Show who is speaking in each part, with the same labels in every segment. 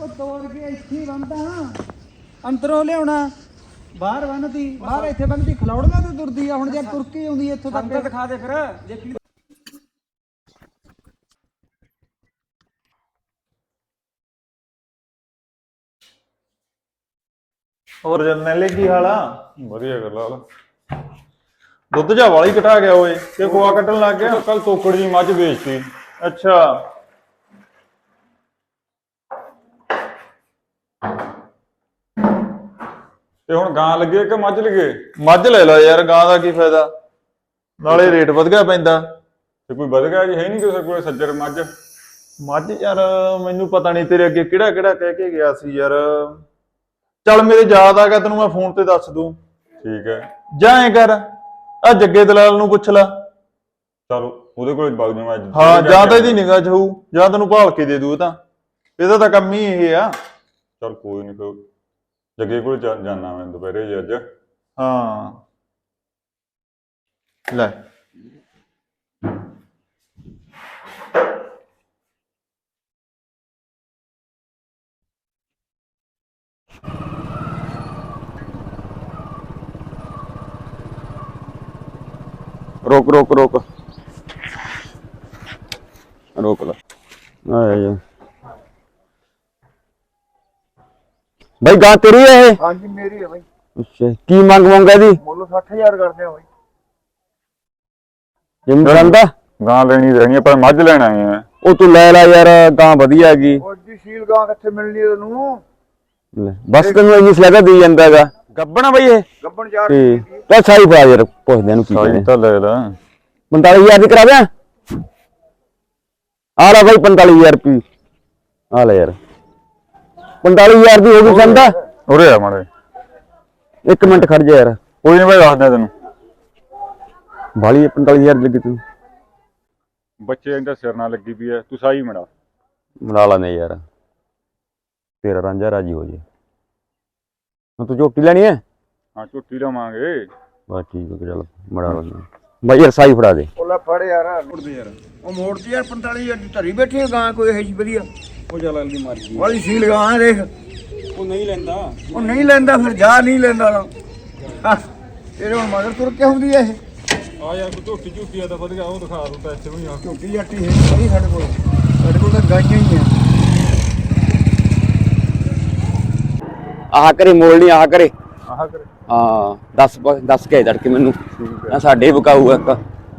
Speaker 1: ਉਹ ਤੋੜ ਕੇ ਇੱਥੇ ਬੰਨਦਾ ਅੰਦਰੋਂ ਲਿਆਉਣਾ ਬਾਹਰ ਬੰਨਦੀ ਬਾਹਰ ਇੱਥੇ ਬੰਨਦੀ ਖਲੌੜੀਆਂ ਤੇ ਤੁਰਦੀ ਆ ਹੁਣ ਜੇ ਤੁਰਕੀ ਆਉਂਦੀ ਇੱਥੋਂ ਤੱਕ
Speaker 2: ਅੰਦਰ ਦਿਖਾ ਦੇ ਫਿਰ ਦੇਖੀ
Speaker 3: ਹੋਰ ਜਰਨੈਲੇ ਕੀ ਹਾਲ ਆ? ਵਧੀਆ ਗੱਲ ਆ। ਦੁੱਧ ਜਾ ਵਾਲੀ ਘਟਾ ਗਿਆ ਓਏ ਤੇ ਖੋਆ ਕੱਟਣ ਲੱਗ ਗਿਆ। ਕੱਲ ਤੋਕੜ ਜੀ ਮੱਝ ਵੇਚਤੀ। ਅੱਛਾ ਤੇ ਹੁਣ ਗਾਂ ਲੱਗੇ ਕਿ ਮੱਝ ਲੱਗੇ? ਮੱਝ ਲੈ ਲਾ ਯਾਰ, ਗਾਂ ਦਾ ਕੀ ਫਾਇਦਾ, ਨਾਲੇ ਰੇਟ ਵਧ ਗਿਆ ਪੈਂਦਾ। ਤੇ ਕੋਈ ਵਧ ਗਿਆ ਜੀ ਹੈ ਨਹੀਂ ਕਿਸੇ ਕੋਲੇ ਸੱਜਰ ਮੱਝ? ਮੱਝ ਯਾਰ ਮੈਨੂੰ ਪਤਾ ਨਹੀਂ ਤੇਰੇ ਅੱਗੇ ਕਿਹੜਾ ਕਿਹੜਾ ਕਹਿ ਕੇ ਗਿਆ ਸੀ ਯਾਰ। ਚੱਲ ਮੇਰੇ ਯਾਦ ਆ ਗਿਆ, ਤੈਨੂੰ ਮੈਂ ਫੋਨ ਤੇ ਦੱਸ ਦੂੰ। ਠੀਕ ਹੈ ਜਾਂ ਐ ਕਰ ਆ ਜੱਗੇ ਦਲਾਲ ਨੂੰ ਪੁੱਛ ਲਾ। ਚਲ ਉਹਦੇ ਕੋਲ ਵਗ ਜਾਵਾਂ ਅੱਜ। ਹਾਂ ਜਾਂ ਤਾਂ ਇਹਦੀ ਨਿਗਾਹ ਚ ਹੋਊ ਜਾਂ ਤੈਨੂੰ ਭਾਲ ਕੇ ਦੇ ਦੂ। ਤਾਂ ਇਹਦਾ ਤਾਂ ਕੰਮ ਹੀ ਇਹ ਆ। ਚਲ ਕੋਈ ਨਹੀਂ, ਫਿਰ ਜੱਗੇ ਕੋਲ ਜਾਣਾ ਮੈਂ ਦੁਪਹਿਰੇ ਜੀ ਅੱਜ। ਹਾਂ ਲੈ रोक रोक रोक रोक ला भाई गा तेरी है?
Speaker 1: हाँ जी मेरी है भाई।
Speaker 3: अच्छा की मांग मांगा दी?
Speaker 1: ਮੁੱਲ 60000 ਕਰਦੇ ਆ ਭਾਈ।
Speaker 3: जिम करंदा गां लेनी रहनी पर मझ लेना है। ओ तू ले ला यार, गां बढ़िया हैगी।
Speaker 1: ਉਹ ਜੀ ਸੀਲ ਗਾਂ ਕਿੱਥੇ ਮਿਲਣੀ ਤੈਨੂੰ?
Speaker 3: बस तेन इंग्लिश लगा दी जांदा हैगा। गब्बना भाई ये
Speaker 1: ਗੱਬਣ ਯਾਰ
Speaker 3: तो साई पा यार पुछदे नु की कहने तो ले ला 45000 दी करा दे। आ ला भाई 45000 रुपये आ ले यार। 45000 दी होगी संदा उरे आ मारे। एक मिनट खड़ जा यार, कोई नहीं भाई दस दे तेन भाली 45000 लगी तू। बच्चे इंदा सिर ना लगी पई है, तू साई मड़ा लाने यार, तेरा रांझा राजी हो जाए। तू झोटी लेनी है? हाँ झोटी लवांगे बस ठीक है। चल मड़ा लो भाई यार, साई फड़ा दे।
Speaker 1: ਉਹ ਲੈ ਫੜ ਯਾਰ ਮੋੜ ਦੇ ਯਾਰ। ਉਹ ਮੋੜ ਤੇ ਯਾਰ 45000 ਦੀ ਧਰੀ ਬੈਠੀ ਹੈ ਗਾਂ ਕੋਈ ਹੈ ਜੀ ਵਧੀਆ।
Speaker 2: ਉਹ ਜਲਾਲ ਦੀ ਮਰਜ਼ੀ
Speaker 1: ਵਾਲੀ ਸੀਲ ਗਾਂ ਹੈ ਦੇਖ।
Speaker 2: ਉਹ ਨਹੀਂ ਲੈਂਦਾ।
Speaker 1: ਉਹ ਨਹੀਂ ਲੈਂਦਾ ਫਿਰ ਜਾ ਨਹੀਂ ਲੈਂਦਾ ਨਾ। ਤੇਰੇ ਹੁਣ ਮਗਰ ਤੁਰ ਕੇ ਹੁੰਦੀ ਹੈ ਇਹ।
Speaker 2: ਆ ਯਾਰ ਕੋਈ ਝੋਟੀ ਝੂਟੀ ਆ ਤਾਂ ਵਧੀਆ, ਉਹ ਦਿਖਾ ਦੂੰ ਪੈਸੇ ਵੀ ਆ।
Speaker 1: ਝੋਟੀ ਜੱਟੀ ਹੈ ਨਹੀਂ ਸਾਡੇ ਕੋਲ। ਸਾਡੇ ਕੋਲ ਤਾਂ ਗਾਈਆਂ ਹੀ ਆ।
Speaker 3: ਆਹ ਕਰੇ ਮੋੜ ਨਹੀਂ, ਆਹ ਕਰੇ ਹਾਂ 10 ਕੇ ਧੜਕੇ ਮੈਨੂੰ ਆ ਸਾਡੇ ਬਕਾਊ ਇੱਕ।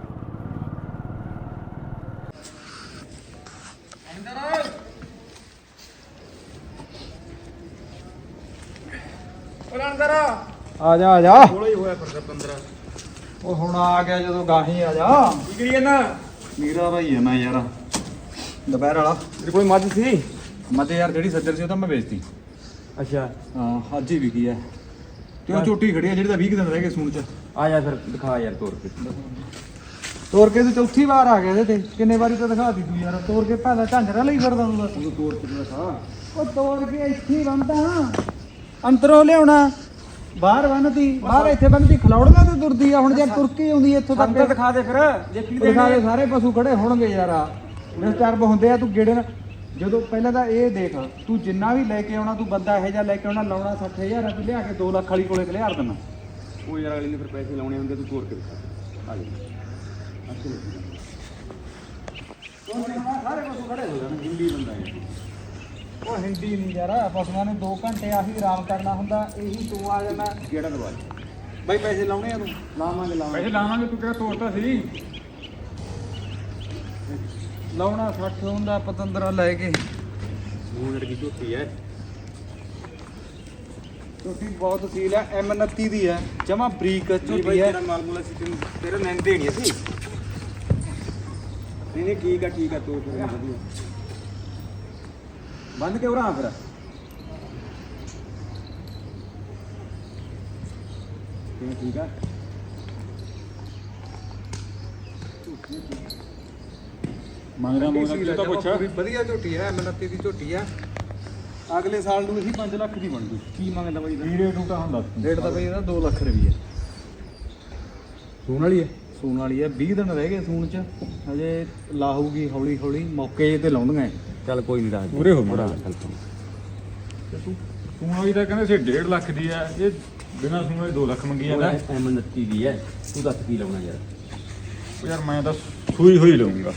Speaker 1: ਆ ਜਾ ਆ ਜਾ।
Speaker 2: ਥੋੜਾ ਹੀ ਹੋਇਆ ਫਿਰ 15।
Speaker 1: ਉਹ ਹੁਣ ਆ ਗਿਆ ਜਦੋਂ ਗਾਹੀ ਆ ਜਾ।
Speaker 2: ਕੀ ਕਰੀ ਜਾਂਦਾ?
Speaker 1: ਮੇਰਾ ਭਾਈ ਹੈ ਮੈਂ ਯਾਰ ਦੁਪਹਿਰ ਵਾਲਾ।
Speaker 2: ਤੇਰੇ ਕੋਲ ਮੱਝ ਸੀ?
Speaker 1: ਮੈਂ ਤੇ ਯਾਰ ਜਿਹੜੀ ਸੱਜਰ ਸੀ ਉਹ ਤਾਂ ਮੈਂ ਵੇਚਤੀ।
Speaker 2: ਅੱਛਾ
Speaker 1: ਹਾਂ ਅੱਜ ਹੀ ਵਿਕੀ ਹੈ। ਤੇ ਉਹ ਝੋਟੀ ਖੜੀ ਹੈ ਜਿਹੜੀ ਤਾਂ 20 ਦਿਨ ਰਹਿ ਗਏ ਸੂਣ ਚ।
Speaker 2: ਆ ਜਾ ਫਿਰ ਦਿਖਾ ਯਾਰ ਤੋਰ ਕੇ।
Speaker 1: ਤੋਰ ਕੇ ਤੂੰ ਚੌਥੀ ਵਾਰ ਆ ਗਿਆ ਇਹਦੇ ਤੇ। ਕਿੰਨੇ ਵਾਰੀ ਤਾਂ ਦਿਖਾਤੀ ਤੂੰ ਯਾਰ। ਤੋਰ ਕੇ ਪਹਿਲਾਂ ਝਾਂਜਰਾ ਲਈ ਫਿਰਦਾ ਤੂੰ ਬਸ।
Speaker 2: ਉਹ ਤੋਰ ਕੇ ਦਿਖਾ।
Speaker 1: ਉਹ ਤੋੜ ਕੇ ਇੱਥੇ ਹੀ ਬੰਨਦਾ ਅੰਦਰੋਂ ਲਿਆਉਣਾ ਬਾਹਰ ਬੰਨਦੀ ਬਾਹਰ ਇੱਥੇ ਬੰਨਦੀ ਖਲੌੜੀਆਂ ਤੇ ਤੁਰਦੀ ਆ ਹੁਣ ਜੇ ਤੁਰਕੀ ਆਉਂਦੀ ਇੱਥੋਂ ਤੱਕ।
Speaker 2: ਅੰਦਰ ਦਿਖਾ ਦੇ ਫਿਰ ਦੇਖੀ ਦੇ।
Speaker 1: ਦਿਖਾ ਦੇ ਸਾਰੇ ਪਸ਼ੂ ਖੜੇ ਹੋਣਗੇ ਯਾਰ। ਆ ਡਿਸਟਰਬ ਹੁੰਦੇ ਆ। ਤੂੰ ਗੇੜੇ ਨਾਲ ਜਦੋਂ ਪਹਿਲਾਂ ਤਾਂ ਇਹ ਦੇਖ ਤੂੰ ਜਿੰਨਾ ਵੀ ਲੈ ਕੇ ਆਉਣਾ ਤੂੰ ਬੰਦਾ ਇਹੋ ਜਿਹਾ ਲੈ ਕੇ ਆਉਣਾ ਲਾਉਣਾ 60000 ਤੂੰ ਲਿਆ ਕੇ 2 ਲੱਖ ਵਾਲੀ ਕੋਲੇ ਖਲਿਆਰ ਦੇਣਾ।
Speaker 2: ਉਹ ਯਾਰ ਅਗਲੇ ਨੇ ਫਿਰ ਪੈਸੇ ਲਾਉਣੇ ਹੁੰਦੇ, ਤੂੰ ਤੋਰ ਕੇ ਦਿਖਾ। ਆ ਜਾ
Speaker 1: ਸਾਰੇ ਪਸ਼ੂ ਖੜੇ ਹੋ ਜਾਣ। ਹਿੰਦੀ ਬੰਦਾ ਹੈ ਉਹ। ਹਿੰਦੀ ਨਹੀਂ ਯਾਰ। ਪਸ਼ੂਆਂ ਨੇ 2 ਘੰਟੇ ਆਹੀ ਆਰਾਮ ਕਰਨਾ ਹੁੰਦਾ। ਇਹੀ ਤੂੰ ਆ ਜਾਣਾ
Speaker 2: ਕਿਹੜਾ ਦਵਾ
Speaker 1: ਬਾਈ ਪੈਸੇ ਲਾਉਣੇ ਆ ਤੂੰ? ਲਾਵਾਂਗੇ
Speaker 2: ਪੈਸੇ ਲਾਵਾਂਗੇ। ਤੂੰ ਕਿਹੜਾ ਤੋਰਤਾ ਸੀ?
Speaker 1: ਲਾਉਣਾ 60 ਹੁੰਦਾ ਪਤੰਦਰਾ ਲੈ ਕੇ।
Speaker 2: ਉਹ ਜਿਹੜੀ ਝੋਟੀ ਹੈ
Speaker 1: ਝੋਟੀ ਬਹੁਤ ਸੀਲ ਹੈ। M29 ਦੀ ਹੈ ਜਮਾ ਬਰੀਕ ਝੋਟੀ ਹੈ।
Speaker 2: ਤੇਰਾ ਮਾਲ ਮੂਲਾ ਸੀ ਤੈਨੂੰ ਤੇਰੇ ਨੈਣ ਦੇਣੀ ਸੀ। ਨਹੀਂ ਠੀਕ ਆ ਤੋਰ ਕੇ ਵਧੀਆ। ਬੰਦ ਕੇ ਉਰਾ ਫਿਰ। ਠੀਕ ਆ
Speaker 1: ਮੰਗਦਾ
Speaker 2: ਤਾਂ ਪੁੱਛ।
Speaker 1: ਵਧੀਆ ਝੋਟੀ ਹੈ। M29 ਦੀ ਝੋਟੀ ਹੈ। ਅਗਲੇ ਸਾਲ ਨੂੰ ਇਹੀ 5 ਲੱਖ ਦੀ ਬਣ ਗਈ।
Speaker 2: ਕੀ ਮੰਗਦਾ ਬਾਈ ਦਾ?
Speaker 1: ਰੇਟ ਟੂਟਾ ਹੁੰਦਾ। ਰੇਟ ਤਾਂ ਬਈ ਇਹਦਾ 2 ਲੱਖ ਰੁਪਈਆ।
Speaker 2: ਸੂਣ ਵਾਲੀ ਹੈ?
Speaker 1: ਸੂਣ ਵਾਲੀ ਹੈ। 20 ਦਿਨ ਰਹਿ ਗਏ ਸੂਣ ਚ। ਹਜੇ ਲਾਹੂਗੀ ਹੌਲੀ ਹੌਲੀ। ਮੌਕੇ ਤੇ ਲਾਉਂਦੀਆਂ।
Speaker 2: ਚੱਲ ਕੋਈ ਨਹੀਂ ਦੱਸ
Speaker 1: ਪੂਰੇ ਹੋ ਮੁੜਾ।
Speaker 4: ਤੂੰ ਵਾਲੀ ਤਾਂ ਕਹਿੰਦੇ ਸੀ 1.5 ਲੱਖ ਦੀ ਹੈ, ਇਹ ਬਿਨਾਂ ਸੂਣ ਵਾਲੀ 2 ਲੱਖ ਮੰਗੀ ਜਾਂਦਾ।
Speaker 2: M29 ਦੀ ਹੈ, ਤੂੰ ਦੱਸ ਕੀ ਲਾਉਣਾ ਯਾਰ?
Speaker 4: ਉਹ ਯਾਰ ਮੈਂ ਤਾਂ ਸੂਈ ਹੋਈ ਲਊਂਗਾ।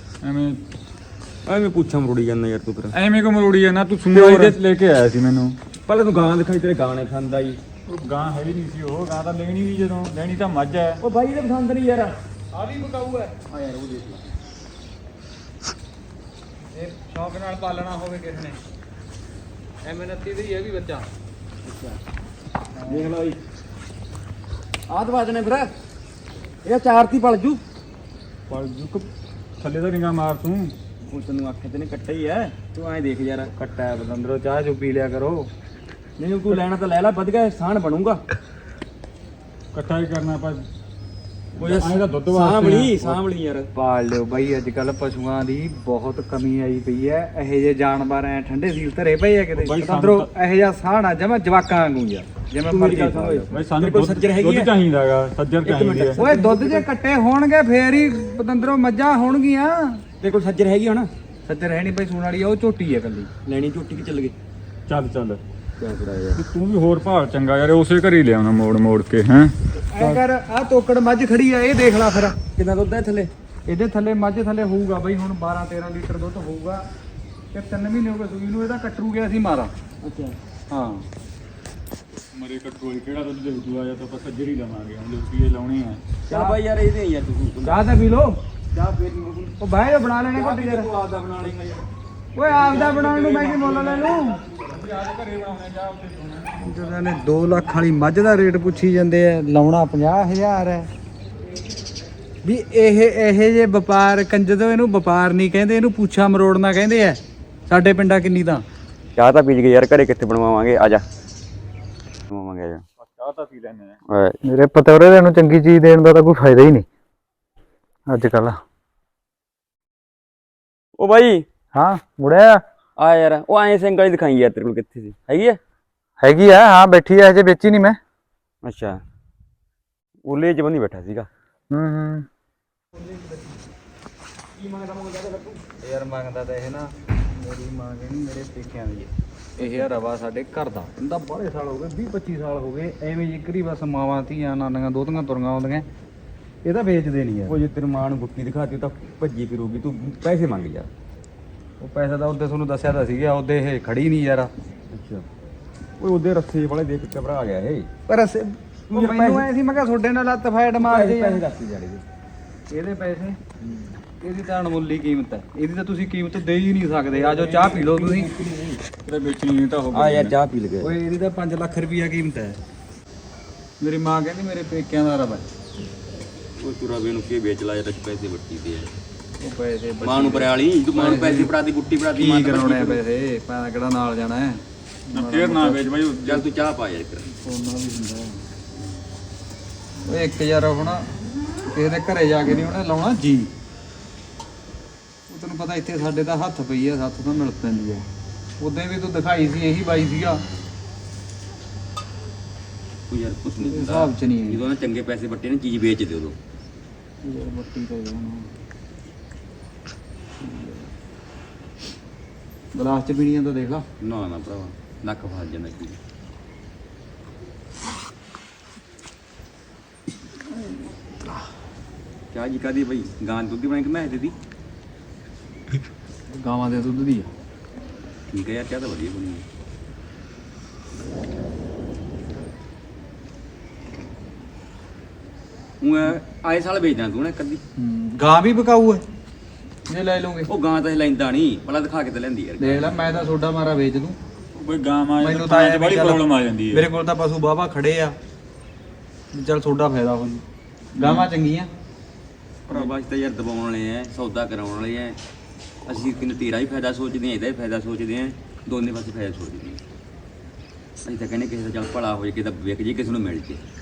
Speaker 2: ਐਵੇਂ ਪੁੱਛਾਂ ਮਰੋੜੀ ਜਾਂਦਾ ਯਾਰ ਤੂੰ ਫਿਰ।
Speaker 4: ਐਵੇਂ ਕੋ ਮਰੋੜੀ ਜਾਂਦਾ, ਤੂੰ ਸੂਣ ਵਾਲੀ ਦੇ ਲੈ ਕੇ ਆਇਆ ਸੀ ਮੈਨੂੰ।
Speaker 2: ਪਹਿਲਾਂ ਤੂੰ ਗਾਂ ਦਿਖਾਈ, ਤੇਰੇ ਗਾਂ ਨੇ ਖਾਂਦਾ ਜੀ।
Speaker 4: ਉਹ ਗਾਂ ਹੈ ਹੀ ਨਹੀਂ ਸੀ, ਉਹ ਗਾਂ ਤਾਂ ਲੈਣੀ ਵੀ ਜਦੋਂ ਲੈਣੀ ਤਾਂ ਮੱਝ ਹੈ।
Speaker 2: ਉਹ ਬਾਈ ਦੇ ਪਸੰਦ ਨਹੀਂ ਯਾਰ।
Speaker 1: ਆ ਵੀ ਬਕਾਊ ਹੈ
Speaker 2: ਆ ਯਾਰ ਉਹ ਦੇਖ ਲੈ।
Speaker 1: ਇਹ ਸ਼ੌਕ ਨਾਲ ਪਾਲਣਾ ਹੋਵੇ ਕਿਸ ਨੇ। M29 ਦੀ ਇਹ ਵੀ ਬੱਚਾ।
Speaker 2: ਦੇਖ ਲਓ ਜੀ, ਆਹ ਦਵਾ ਦੇਣੇ ਫਿਰ। ਇਹ 4 ਤੀ ਪਲ ਜੂ।
Speaker 4: ਪਰ ਜੁਕ ਥੱਲੇ ਤਾਂ ਨਿਗਾਹ ਮਾਰ ਤੂੰ।
Speaker 2: ਉਹ ਤੈਨੂੰ ਆਖੇ ਤੇ ਨੇ ਕੱਟਾ ਹੀ ਐ, ਤੂੰ ਐਂ ਦੇਖ ਯਾਰ।
Speaker 1: ਕੱਟਾ ਹੈ ਬਦੰਦਰੋ, ਚਾਹ ਚੁ ਪੀ ਲਿਆ ਕਰੋ।
Speaker 2: ਨਹੀਂ ਤੂੰ ਲੈਣਾ ਤਾਂ ਲੈ ਲੈ, ਵਧ ਗਿਆ ਸਾਨ ਬਣੂਗਾ।
Speaker 4: ਇਕੱਠਾ ਹੀ ਕਰਨਾ ਆਪਾਂ।
Speaker 2: ਉਹ
Speaker 4: ਐਂ ਤਾਂ ਦੁੱਧ ਵਾਸਤੇ
Speaker 2: ਸਾਂਭਲੀ
Speaker 4: ਆ।
Speaker 2: ਸਾਂਭਲੀ ਯਾਰ।
Speaker 1: ਪਾਲ ਲਿਓ ਬਾਈ, ਅੱਜ ਕੱਲ ਪਸ਼ੂਆਂ ਦੀ ਬਹੁਤ ਕਮੀ ਆਈ ਪਈ ਐ। ਇਹੋ ਜਿਹੇ ਜਾਨਵਰ ਐ ਠੰਡੇ ਸੀਲ ਧਰੇ ਪਏ ਆ ਕਿਤੇ।
Speaker 4: ਬਾਈ
Speaker 1: ਬਦੰਦਰੋ ਇਹੋ ਜਿਹਾ ਸਾਹ ਨਾ ਜਮਾ ਜਵਾਕਾਂ ਵਾਂਗੂ ਯਾਰ, ਜਿਵੇਂ
Speaker 2: ਤੂੰ ਮੇਰੀ
Speaker 1: ਮਰਜ਼ੀ
Speaker 2: ਗੱਲ ਸੁਣ ਓਏ।
Speaker 4: ਬਈ ਸਾਨੂੰ
Speaker 2: ਤੇਰੇ ਕੋਲ ਸੱਜਰ ਹੈਗੀ
Speaker 4: ਦੁੱਧ
Speaker 2: ਹੈ?
Speaker 4: ਚਾਹੀਦਾਗਾ, ਸੱਜਰ ਚਾਹੀਦੀ ਹੈ।
Speaker 1: ਓਏ ਦੁੱਧ ਜੇ ਕੱਟੇ ਹੋਣਗੇ ਫੇਰ ਹੀ ਬਦੰਦਰੋ ਮੱਝਾਂ ਹੋਣਗੀਆਂ।
Speaker 2: ਤੇਰੇ ਕੋਲ ਸੱਜਰ ਹੈਗੀ ਹੁਣ?
Speaker 1: ਸੱਜਰ ਹੈ ਨਹੀਂ ਭਾਈ, ਸੂਣ ਵਾਲੀ ਆ, ਉਹ ਝੋਟੀ ਐ ਕੱਲੀ।
Speaker 2: ਲੈਣੀ ਝੋਟੀ ਕਿ ਚੱਲ ਗਏ?
Speaker 4: ਚੱਲ ਚੱਲ
Speaker 2: ਕਿਆ ਕਰਾ ਯਾਰ।
Speaker 4: ਤੂੰ ਵੀ ਹੋਰ ਭਾਵ ਚੰਗਾ ਯਾਰ, ਉਸੇ ਘਰ ਹੀ ਲਿਆਉਣਾ ਮੋੜ ਮੋੜ ਕੇ। ਹੈ
Speaker 1: ਐ ਕਰ, ਆ ਤੋਕੜ ਮੱਝ ਖੜੀ ਆ, ਇਹ ਦੇਖ ਲੈ ਫਿਰ।
Speaker 2: ਕਿੰਨਾ ਦੁੱਧ ਹੈ ਥੱਲੇ?
Speaker 1: ਇਹਦੇ ਥੱਲੇ ਮੱਝ ਥੱਲੇ ਹੋਊਗਾ ਬਾਈ ਹੁਣ 12-13 ਲੀਟਰ ਦੁੱਧ ਹੋਊਗਾ ਤੇ 3 ਮਹੀਨੇ ਹੋ ਗਏ ਸੂਈ ਨੂੰ। ਇਹਦਾ ਕੱਟਰੂ ਗਿਆ ਸੀ ਮਾਰਾ।
Speaker 2: ਅੱਛਾ।
Speaker 1: ਹਾਂ
Speaker 4: ਮਰੇ ਕਟੋਰੀ ਕਿਹੜਾ ਦੁੱਧ ਦੇ ਦੂਆ ਜਾਂ ਤਾਂ ਆਪਾਂ ਸੱਜਰ ਹੀ ਲਵਾਂਗੇ। ਹੁਣ ਲੋਕੀ ਇਹ ਲਾਉਣੇ ਆ।
Speaker 2: ਚੱਲ ਬਾਈ ਯਾਰ ਇਹਦੇ ਯਾਰ ਤੂੰ
Speaker 1: ਚਾਹ ਤਾਂ ਪੀ ਲੋ।
Speaker 2: ਚਾਹ ਫੇਰ ਨਹੀਂ
Speaker 1: ਉਹ ਬਾਹਰ ਜੋ ਬਣਾ ਲੈਣੇ ਘੱਟ ਯਾਰ।
Speaker 2: ਤੂੰ ਆਪਦਾ ਬਣਾ ਲੇਗਾ ਯਾਰ।
Speaker 1: ਓਏ ਆਪਦਾ ਬਣਾਉਣ ਨੂੰ ਮੈਂ ਕੀ ਮੁੱਲ ਲੈ ਲੂੰ?
Speaker 4: ਘਰੇ ਬਣਾਉਣੇ ਜਾ ਉੱਥੇ
Speaker 1: ਜਦੋਂ ਨੇ 2 ਲੱਖ ਵਾਲੀ ਮੱਝ ਦਾ ਰੇਟ ਪੁੱਛੀ ਜਾਂਦੇ ਆ, ਲਾਉਣਾ 50,000 ਹੈ। ਵੀ ਇਹ ਜੇ ਵਪਾਰ ਕੰਜਦੋਂ, ਇਹਨੂੰ ਵਪਾਰ ਨਹੀਂ ਕਹਿੰਦੇ, ਇਹਨੂੰ ਪੁੱਛਾ ਮਰੋੜਨਾ ਕਹਿੰਦੇ ਆ। ਸਾਡੇ ਪਿੰਡਾਂ ਕਿੰਨੀ ਤਾਂ
Speaker 2: ਚਾਹ ਤਾਂ ਪੀ ਗਏ ਯਾਰ, ਘਰੇ ਕਿੱਥੇ ਬਣਵਾਵਾਂਗੇ? ਆ ਜਾ ਬਣਵਾਵਾਂਗੇ, ਆ ਜਾ।
Speaker 4: ਚਾਹ ਤਾਂ ਪੀ ਲੈਣੇ ਆ।
Speaker 1: ਮੇਰੇ ਪਤੌਰੇ ਦੇ ਨੂੰ ਚੰਗੀ ਚੀਜ਼ ਦੇਣ ਦਾ ਤਾਂ ਕੋਈ ਫਾਇਦਾ ਹੀ ਨਹੀਂ ਅੱਜ ਕੱਲ।
Speaker 2: ਉਹ ਬਾਈ
Speaker 1: ਹਾਂ ਮੁੜਿਆ
Speaker 2: ਆ ਯਾਰ, ਉਹ ਐਂ ਸਿੰਗਲ ਹੀ ਦਿਖਾਈ ਯਾਰ। ਤੇਰੇ ਕੋਲ ਕਿੱਥੇ ਸੀ? ਹੈਗੀ ਆ?
Speaker 1: ਹੈਗੀ ਆ, ਹਾਂ ਬੈਠੀ ਆ, ਹਜੇ ਵੇਚੀ ਨਹੀਂ ਮੈਂ।
Speaker 2: ਅੱਛਾ, ਉਲੇ ਚ ਬੰਦੀ ਬੈਠਾ ਸੀਗਾ।
Speaker 1: ਹੂੰ
Speaker 2: ਕੀ ਮੰਗਦਾ
Speaker 1: ਯਾਰ ਮੰਗਦਾ ਤਾਂ ਇਹ ਨਾ, ਮੇਰੀ ਮਾਂ ਕਹਿੰਦੀ ਮੇਰੇ ਪੇਕਿਆਂ ਦੀ ਹੈ। ਇਹ ਆ ਰਵਾ ਸਾਡੇ ਘਰ ਦਾ। ਇਹਦਾ ਬਾਹਲੇ ਸਾਲ ਹੋ ਗਏ, 20-25 ਸਾਲ ਹੋ ਗਏ ਐਵੇਂ ਜਿਕਰੀ ਬਸ ਮਾਵਾਂ ਧੀਆਂ ਨਾਨੀਆਂ ਦੋਤੀਆਂ ਤੁਰੀਆਂ ਆਉਂਦੀਆਂ। ਇਹ ਤਾਂ ਵੇਚਦੇ ਨਹੀਂ ਯਾਰ।
Speaker 2: ਉਹ ਜੇ ਤੇਰੀ ਮਾਂ ਨੂੰ ਗੁੱਟੀ ਦਿਖਾਤੀ ਤਾਂ ਭੱਜੀ ਫਿਰੂਗੀ। ਤੂੰ ਪੈਸੇ ਮੰਗ ਯਾਰ।
Speaker 1: ਉਹ ਪੈਸਾ ਤਾਂ ਉਹਦੇ ਤੁਹਾਨੂੰ ਦੱਸਿਆ ਤਾਂ ਸੀਗਾ, ਉਹਦੇ ਇਹ ਖੜੀ ਨਹੀਂ ਯਾਰ।
Speaker 2: ਅੱਛਾ, ਓਏ ਉਹਦੇ ਰੱਸੇ ਵਾਲੇ ਦੇਖ ਕੇ ਘਬਰਾ ਗਿਆ ਇਹ।
Speaker 1: ਪਰ ਅਸੀਂ ਮੈਨੂੰ ਐ ਸੀ, ਮੈਂ ਕਿਹਾ ਤੁਹਾਡੇ ਨਾਲ ਲੱਤ ਫੈਟ ਮਾਰ ਜੇ
Speaker 2: ਪੈਸੇ ਦੱਸ ਜਾੜੇ
Speaker 1: ਇਹਦੇ ਪੈਸੇ। ਇਹਦੀ ਤਾਂ ਅਣਮੁੱਲੀ ਕੀਮਤ ਹੈ, ਇਹਦੀ ਤਾਂ ਤੁਸੀਂ ਕੀਮਤ ਦੇ ਹੀ ਨਹੀਂ ਸਕਦੇ। ਆ ਜਾਓ ਚਾਹ ਪੀ ਲਓ ਤੁਸੀਂ।
Speaker 4: ਕਿਤੇ ਵੇਚਣੀ ਨਹੀਂ ਤਾਂ ਹੋ
Speaker 2: ਆ ਯਾਰ ਚਾਹ ਪੀ ਲਗੇ।
Speaker 1: ਓਏ ਇਹਦੀ ਤਾਂ 5 ਲੱਖ ਰੁਪਈਆ ਕੀਮਤ ਹੈ। ਮੇਰੀ ਮਾਂ ਕਹਿੰਦੀ ਮੇਰੇ ਪੇਕਿਆਂ ਦਾ ਰਵਾ।
Speaker 2: ਉਹ ਤੂੰ ਰਵੇ ਨੂੰ ਕੀ ਵੇਚ ਲਾ ਯਾਰ, ਪੈਸੇ ਵੱਟੀ ਦੇ ਯਾਰ।
Speaker 1: ਉਹ ਪੈਸੇ
Speaker 2: ਮਾਂ ਨੂੰ ਪਰਿਆਲੀ, ਤੂੰ ਮਾਂ ਨੂੰ ਪੈਸੇ ਫੜਾਤੀ, ਗੁੱਟੀ ਫੜਾਤੀ।
Speaker 1: ਕੀ ਕਰਾਉਣੇ ਆ ਪੈਸੇ? ਪੈਸਾ ਕਿਹੜਾ ਨਾਲ ਜਾਣਾ ਹੈ?
Speaker 4: ਨਾ ਫੇਰ ਨਾ ਵੇਚ ਬਾਈ।
Speaker 2: ਚੱਲ ਤੂੰ ਚਾਹ ਪਾ ਯਾਰ ਇੱਕ।
Speaker 1: ਸੋਨਾ ਵੀ ਹੁੰਦਾ। ਓਏ ਇੱਕ ਯਾਰ ਹੁਣ ਕਿਸੇ ਦੇ ਘਰੇ ਜਾ ਕੇ ਨਹੀਂ ਉਹਨੇ ਲਾਉਣਾ ਜੀ। ਉਹ ਤੈਨੂੰ ਪਤਾ ਇੱਥੇ ਸਾਡੇ ਤਾਂ ਹੱਥ ਪਈ ਆ, ਹੱਥ ਤੋਂ ਮਿਲ ਪੈਂਦੀ ਆ। ਉਦੋਂ ਵੀ ਤੂੰ ਦਿਖਾਈ ਸੀ, ਇਹੀ ਬਾਈ ਸੀਗਾ।
Speaker 2: ਤੂੰ ਯਾਰ ਕੁਛ ਨਹੀਂ ਦਿੰਦਾ।
Speaker 1: ਹਿਸਾਬ ਚ ਨਹੀਂ ਹੈ
Speaker 2: ਜਦੋਂ ਨਾ ਚੰਗੇ ਪੈਸੇ ਵੱਟੇ ਨੇ, ਚੀਜ਼ ਵੇਚ ਦੇ ਉਦੋਂ।
Speaker 1: ਯਾਰ ਮੱਟੀ ਤੇ ਗਲਾਸ ਚ ਪੀਣੀਆਂ ਤਾਂ ਦੇਖ ਲਾ।
Speaker 2: ਨਾ ਨਾ ਭਰਾਵਾ, ਨੱਕ ਫਸ ਜਾਂਦਾ ਕੀ। ਚਾਹ ਜੀ ਕਾਦੀ ਬਈ? ਗਾਂ ਦੁੱਧ ਦੀ ਬਣਾ ਕੇ ਮੈਂ ਦੇ ਦੀ।
Speaker 1: ਗਾਵਾਂ ਦੇ ਦੁੱਧ ਦੀ ਆ।
Speaker 2: ਠੀਕ ਹੈ ਯਾਰ, ਚਾਹ ਤਾਂ ਵਧੀਆ ਬਣੀ ਹੈ। ਉਹ ਆਏ ਸਾਲ ਵੇਚਦਾ ਤੂੰ ਨਾ ਕਦੀ।
Speaker 1: ਗਾਂ ਵੀ ਬਕਾਊ ਹੈ ਜੇ ਲੈ ਲਓਗੇ।
Speaker 2: ਉਹ ਗਾਂ ਤਾਂ ਇਹ ਲੈਂਦਾ ਨਹੀਂ, ਪਹਿਲਾਂ ਦਿਖਾ ਕੇ ਤਾਂ ਲੈਂਦੀ ਯਾਰ।
Speaker 1: ਦੇਖ ਲੈ, ਮੈਂ ਤਾਂ ਸੋਡਾ ਮਾਰਾ ਵੇਚ ਦੂੰ।
Speaker 4: ਬਈ ਗਾਂ ਮਾਂ
Speaker 1: ਮੈਨੂੰ ਤਾਂ ਐਂ
Speaker 4: ਬੜੀ
Speaker 1: ਚੱਲ,
Speaker 4: ਪ੍ਰੋਬਲਮ ਆ ਜਾਂਦੀ ਹੈ।
Speaker 1: ਮੇਰੇ ਕੋਲ ਤਾਂ ਪਸ਼ੂ ਬਾਵਾ ਖੜੇ ਆ, ਵੀ ਚੱਲ ਸੋਡਾ ਫਾਇਦਾ ਹੋ ਜੂ। ਗਾਵਾਂ ਚੰਗੀਆਂ।
Speaker 2: ਭਰਾਵਾ ਅਸੀਂ ਤਾਂ ਯਾਰ ਦਬਾਉਣ ਵਾਲੇ ਐ, ਸੌਦਾ ਕਰਾਉਣ ਵਾਲੇ ਐ। ਅਸੀਂ ਕਿੰਨਾ ਤੇਰਾ ਹੀ ਫਾਇਦਾ ਸੋਚਦੇ ਆ, ਇਹਦਾ ਹੀ ਫਾਇਦਾ ਸੋਚਦੇ ਆ, ਦੋਨੇ ਪਾਸੇ ਫਾਇਦਾ ਸੋਚਦੇ ਆ। ਅਸੀਂ ਤਾਂ ਕਹਿੰਦੇ ਕਿਸੇ ਦਾ ਚੱਲ ਭਲਾ ਹੋ ਜੇ, ਕਿਸੇ ਦਾ ਵਿਕ ਜੇ, ਕਿਸੇ ਨੂੰ ਮਿਲ ਜੇ।